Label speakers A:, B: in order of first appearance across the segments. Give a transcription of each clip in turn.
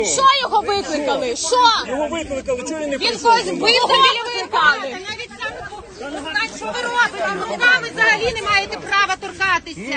A: Що його викликали? Що?
B: Його викликали, чого він не
A: Він
B: прийшов?
A: когось бив, викликали.
C: Що ви робите? Руками взагалі не маєте права торкатися.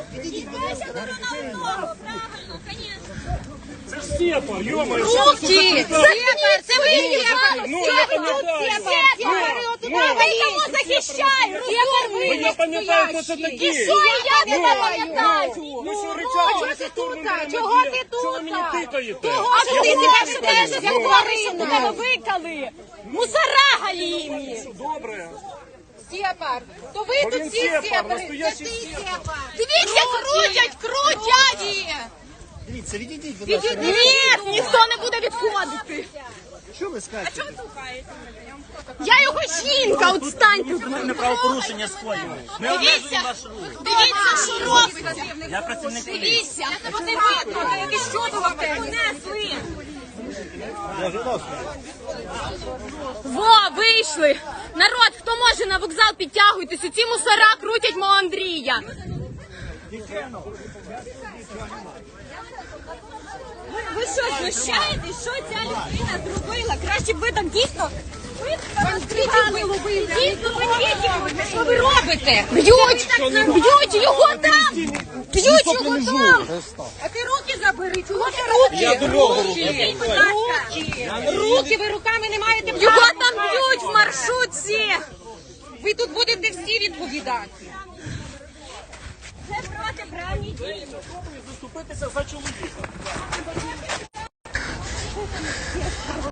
B: Це ж Степа, йо-моє.
A: Руки!
C: Це ви
B: Ну, я пам'ятаю.
A: Ви кого захищаєте?
B: Я пам'ятаю, хто це такі.
A: І що я не пам'ятаю?
B: Ну що ричали, що штурмом
C: Чого ти тут?
B: Чого ви мені тикаєте?
A: А що ти себе ведеш, як тварину? Тебе викали! Мусора галімі!
B: Добре.
C: Сєпар. То ви
B: Бо
C: тут
B: він
C: всі
B: Сєпар,
C: сєпари.
B: настоящий
C: Це ти
B: Сєпар.
C: сєпар.
A: Дивіться, крутять!
D: Дивіться, відійдіть, будь ласка.
A: Ні, ніхто не буде відходити.
D: Що ви скажете?
A: Я його жінка, от станьте.
E: Ми правопорушення скоїли. Ми
A: Дивіться,
E: обмежуємо ваш рух.
A: дивіться, що робиться.
E: Я працівник поліції.
A: Дивіться, вони викликали, які що до вас понесли. Во, вийшли. Народ, хто може на вокзал, підтягуйтесь. Ці мусора крутять мого Андрія. Ви що, знущаєтесь? Що ця людина зробила? Краще б ви там дійсно... Дійсно, що ви робите? Б'ють його там! Б'ють його там!
C: А ти руки забери. Чого ти руки?
B: Я до нього руки.
C: Руки ви руками не маєте права.
A: Його там б'ють в маршрутці!
C: Ви тут будете всі відповідати.
A: Це протиправні дії.
B: Заступитися за чоловіка.